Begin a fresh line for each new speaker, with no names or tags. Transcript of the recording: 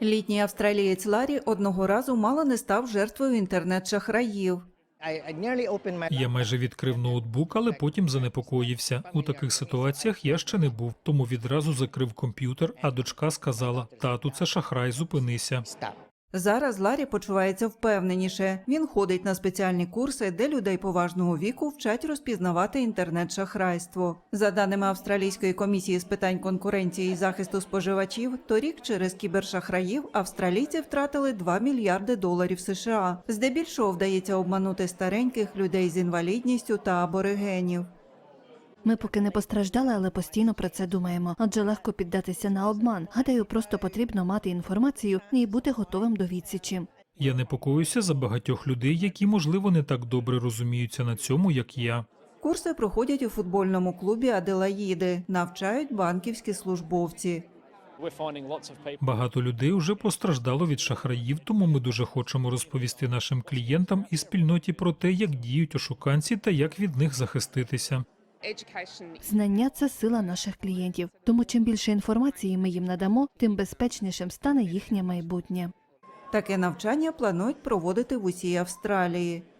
Літній австралієць Ларі одного разу мало не став жертвою інтернет-шахраїв.
Я майже відкрив ноутбук, але потім занепокоївся. У таких ситуаціях я ще не був, тому відразу закрив комп'ютер, а дочка сказала: «Тату, це шахрай, зупинися».
Зараз Ларі почувається впевненіше. Він ходить на спеціальні курси, де людей поважного віку вчать розпізнавати інтернет-шахрайство. За даними Австралійської комісії з питань конкуренції і захисту споживачів, торік через кібершахраїв австралійці втратили $2 мільярди США. Здебільшого вдається обманути стареньких, людей з інвалідністю та аборигенів.
Ми поки не постраждали, але постійно про це думаємо. Адже легко піддатися на обман. Гадаю, просто потрібно мати інформацію і бути готовим до відсічі.
Я непокоюся за багатьох людей, які, можливо, не так добре розуміються на цьому, як я.
Курси проходять у футбольному клубі Аделаїди, навчають банківські службовці.
Багато людей вже постраждало від шахраїв, тому ми дуже хочемо розповісти нашим клієнтам і спільноті про те, як діють ошуканці та як від них захиститися.
Знання – це сила наших клієнтів. Тому чим більше інформації ми їм надамо, тим безпечнішим стане їхнє майбутнє.
Таке навчання планують проводити в усій Австралії.